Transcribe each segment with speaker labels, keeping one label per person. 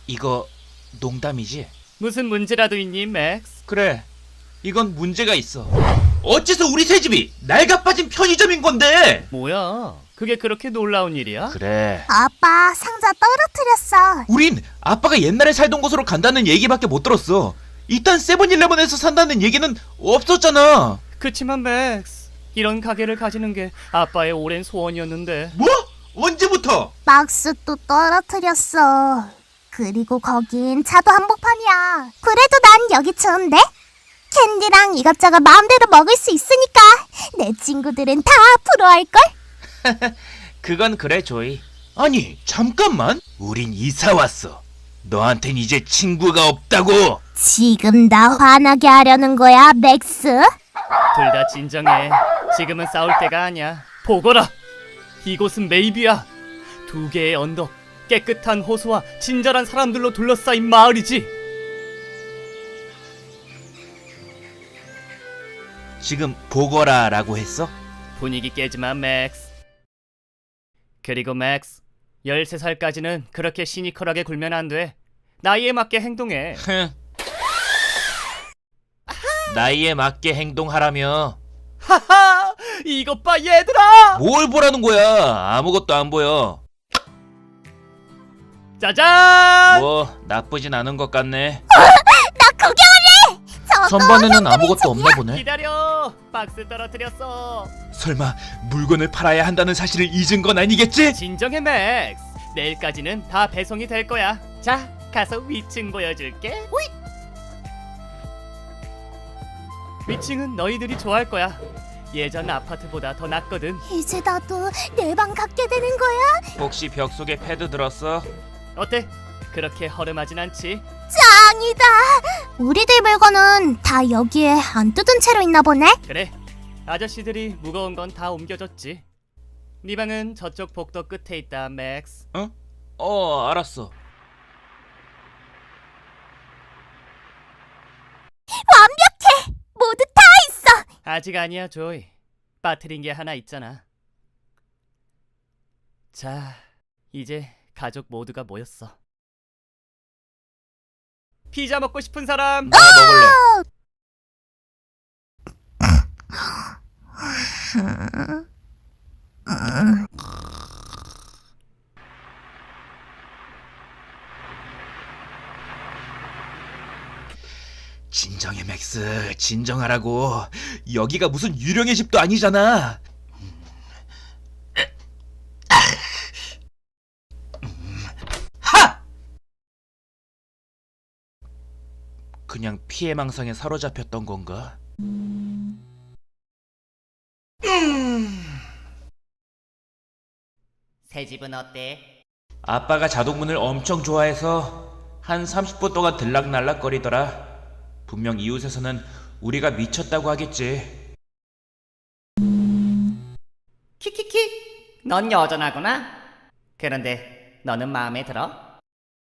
Speaker 1: 이거 농담이지?
Speaker 2: 무슨 문제라도 있니, 맥스?
Speaker 1: 그래, 이건 문제가 있어. 어째서 우리 새 집이 낡아 빠진 편의점인 건데?
Speaker 2: 뭐야? 그게 그렇게 놀라운 일이야?
Speaker 1: 그래,
Speaker 3: 아빠, 상자 떨어뜨렸어.
Speaker 1: 우린 아빠가 옛날에 살던 곳으로 간다는 얘기밖에 못 들었어. 일단 세븐일레븐에서 산다는 얘기는 없었잖아.
Speaker 2: 그치만 맥스, 이런 가게를 가지는 게 아빠의 오랜 소원이었는데.
Speaker 1: 뭐? 언제부터?
Speaker 3: 박스 또 떨어뜨렸어. 그리고 거긴 차도 한복판이야. 그래도 난 여기 좋은데? 캔디랑 이것저것 마음대로 먹을 수 있으니까 내 친구들은 다 부러워할걸?
Speaker 1: 그건 그래, 조이. 아니, 잠깐만. 우린 이사 왔어. 너한텐 이제 친구가 없다고.
Speaker 3: 지금 나 화나게 하려는 거야, 맥스?
Speaker 2: 둘 다 진정해. 지금은 싸울 때가 아니야. 보거라! 이곳은 메이비야. 두 개의 언덕, 깨끗한 호수와 친절한 사람들로 둘러싸인 마을이지.
Speaker 1: 지금 보거라라고 했어?
Speaker 2: 분위기 깨지마, 맥스. 그리고 맥스, 13살까지는 그렇게 시니컬하게 굴면 안 돼. 나이에 맞게 행동해.
Speaker 1: 나이에 맞게 행동하라며.
Speaker 2: 하하! 이것 봐, 얘들아!
Speaker 1: 뭘 보라는 거야? 아무것도 안 보여.
Speaker 2: 짜잔!
Speaker 1: 뭐 나쁘진 않은 것 같네.
Speaker 3: 나 구경할래! 저거
Speaker 1: 전반에는 아무것도 없나 보네.
Speaker 2: 기다려! 박스 떨어뜨렸어.
Speaker 1: 설마 물건을 팔아야 한다는 사실을 잊은 건 아니겠지?
Speaker 2: 진정해, 맥스. 내일까지는 다 배송이 될 거야. 자, 가서 위층 보여줄게. 호잇! 위층은 너희들이 좋아할 거야. 예전 아파트보다 더 낫거든.
Speaker 3: 이제 나도 내 방 갖게 되는 거야?
Speaker 1: 혹시 벽 속에 패드 들었어?
Speaker 2: 어때? 그렇게 허름하진 않지?
Speaker 3: 짱이다! 우리들 물건은 다 여기에 안 뜯은 채로 있나 보네?
Speaker 2: 그래, 아저씨들이 무거운 건 다 옮겨줬지. 네 방은 저쪽 복도 끝에 있다, 맥스.
Speaker 1: 알았어.
Speaker 3: 완벽해! 모두 다 있어!
Speaker 2: 아직 아니야, 조이. 빠뜨린 게 하나 있잖아. 자, 이제 가족 모두가 모였어. 피자 먹고 싶은 사람?
Speaker 1: 나 먹을래. 진정해, 맥스. 진정하라고. 여기가 무슨 유령의 집도 아니잖아. 하! 그냥 피해망상에 사로잡혔던 건가?
Speaker 2: 새 집은 어때?
Speaker 1: 아빠가 자동문을 엄청 좋아해서 한 30분 동안 들락날락거리더라. 분명 이웃에서는 우리가 미쳤다고 하겠지.
Speaker 2: 키키키, 넌 여전하구나. 그런데 너는 마음에 들어?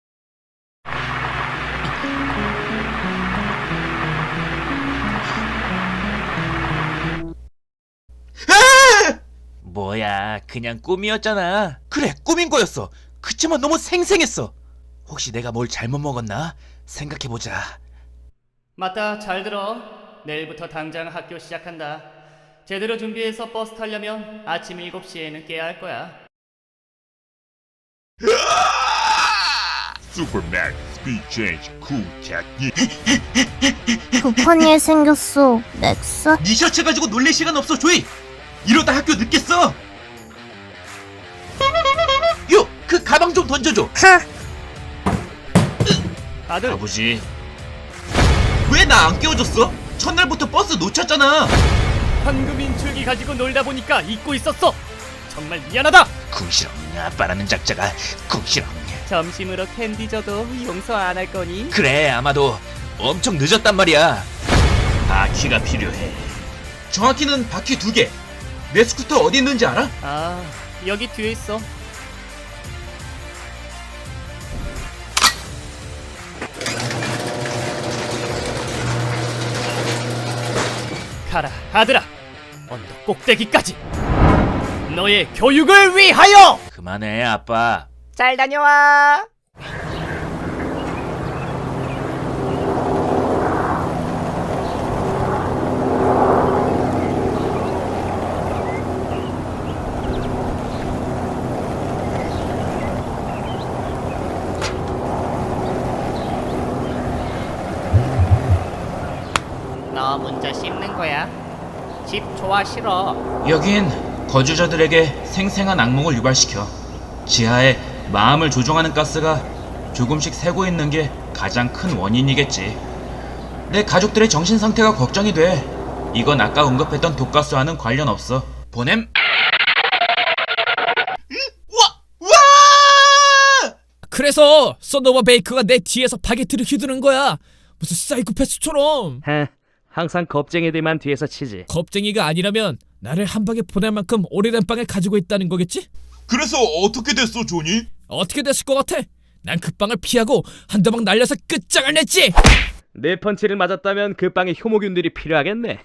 Speaker 1: 뭐야, 그냥 꿈이었잖아. 그래, 꿈인 거였어. 그치만 너무 생생했어. 혹시 내가 뭘 잘못 먹었나? 생각해보자.
Speaker 2: 맞다, 잘 들어. 내일부터 당장 학교 시작한다. 제대로 준비해서 버스 타려면 아침 7시에는 깨야 할 거야.
Speaker 4: Supermax Speed Change Cool Technique.
Speaker 3: 급한 일 생겼어, 맥스.
Speaker 1: 네 셔츠 가지고 놀릴 시간 없어, 조이. 이러다 학교 늦겠어. 요, 그 가방 좀 던져줘.
Speaker 2: 아들,
Speaker 1: 아버지, 왜 나 안 깨워줬어? 첫날부터 버스 놓쳤잖아.
Speaker 2: 현금 인출기 가지고 놀다 보니까 잊고 있었어. 정말 미안하다.
Speaker 1: 궁시렁, 아빠라는 작자가 궁시렁.
Speaker 2: 점심으로 캔디 줘도 용서 안 할 거니?
Speaker 1: 그래, 아마도 엄청 늦었단 말이야. 바퀴가 필요해. 정확히는 바퀴 2개. 내 스쿠터 어디 있는지 알아?
Speaker 2: 아, 여기 뒤에 있어. 가라, 아들아. 언덕 꼭대기까지. 너의 교육을 위하여.
Speaker 1: 그만해, 아빠.
Speaker 2: 잘 다녀와. 너 먼저 씹는 거야. 집 좋아 싫어?
Speaker 1: 여긴 거주자들에게 생생한 악몽을 유발시켜 지하에 마음을 조종하는 가스가 조금씩 새고 있는 게 가장 큰 원인이겠지. 내 가족들의 정신 상태가 걱정이 돼. 이건 아까 언급했던 독가스와는 관련 없어. 보냄.
Speaker 5: 그래서 썬더버 베이커가 내 뒤에서 바게트를 휘두른 거야. 무슨 사이코패스처럼.
Speaker 2: 항상 겁쟁이들만 뒤에서 치지.
Speaker 5: 겁쟁이가 아니라면 나를 한 방에 보낼 만큼 오래된 빵을 가지고 있다는 거겠지?
Speaker 4: 그래서 어떻게 됐어, 조니?
Speaker 5: 어떻게 됐을 것 같아? 난 그 빵을 피하고 한 대방 날려서 끝장을 냈지.
Speaker 2: 내 펀치를 맞았다면 그 빵에 효모균들이 필요하겠네.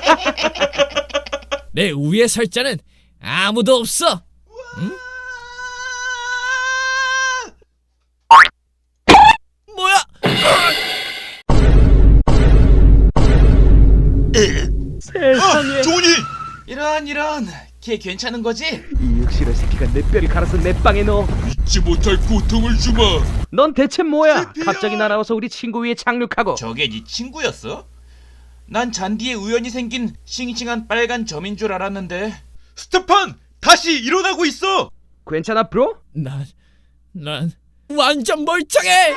Speaker 5: 내 우위의 설자는 아무도 없어. 응? 뭐야?
Speaker 2: 세상에.
Speaker 4: 조니!
Speaker 1: 이런 걔 괜찮은 거지?
Speaker 2: 이 육실의 새끼가 내 뼈를 갈아서 내 빵에 넣어.
Speaker 4: 잊지 못할 고통을 주마.
Speaker 2: 넌 대체 뭐야? 갑자기 날아와서 우리 친구 위에 착륙하고.
Speaker 1: 저게 네 친구였어? 난 잔디에 우연히 생긴 싱싱한 빨간 점인 줄 알았는데.
Speaker 4: 스테판! 다시 일어나고 있어!
Speaker 2: 괜찮아 브로?
Speaker 5: 난 완전 멀쩡해.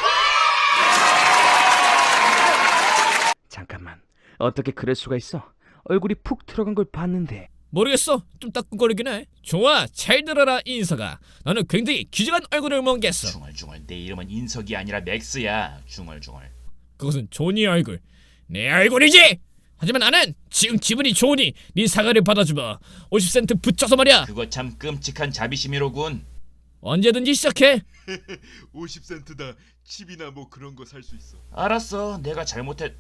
Speaker 2: 잠깐만. 어떻게 그럴 수가 있어? 얼굴이 푹 들어간 걸 봤는데.
Speaker 5: 모르겠어. 좀 따끔거리긴 해. 좋아, 잘 들어라 인서가. 너는 굉장히 귀중한 얼굴을 먹겠어.
Speaker 1: 중얼중얼. 내 이름은 인석이 아니라 맥스야. 중얼중얼.
Speaker 5: 그것은 조니 얼굴. 내 얼굴이지. 하지만 나는 지금 기분이 좋으니 네 사과를 받아주마. 50센트 붙여서 말이야.
Speaker 1: 그거 참 끔찍한 자비심이로군.
Speaker 5: 언제든지 시작해.
Speaker 4: 50센트다. 칩이나 뭐 그런 거 살 수 있어.
Speaker 1: 알았어. 내가 잘못했어.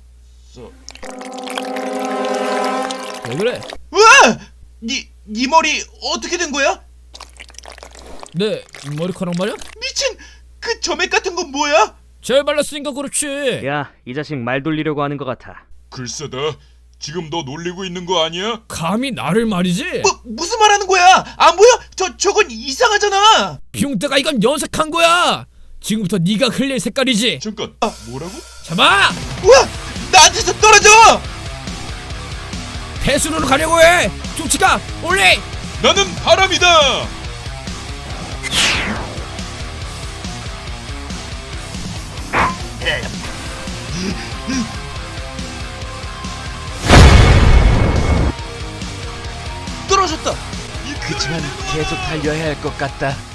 Speaker 5: 왜 그래?
Speaker 1: 우와! 네 머리 어떻게 된 거야?
Speaker 5: 내 머리카락 말이야?
Speaker 1: 미친! 그 점액 같은 건 뭐야?
Speaker 5: 잘 발랐으니까 그렇지.
Speaker 2: 야, 이 자식 말 돌리려고 하는 것 같아.
Speaker 4: 글쎄다. 지금 너 놀리고 있는 거 아니야?
Speaker 5: 감히 나를 말이지?
Speaker 1: 무슨 말 하는 거야? 안 보여? 저건 이상하잖아!
Speaker 5: 비용대가 이건 연색한 거야. 지금부터 네가 흘릴 색깔이지.
Speaker 4: 잠깐. 뭐라고?
Speaker 5: 잡아!
Speaker 1: 우와! 나한테서 떨어져!
Speaker 5: 배수로로 가려고 해. 조치가 올리.
Speaker 4: 나는 바람이다!
Speaker 1: 떨어졌다! 그치만 계속 달려야 할 것 같다.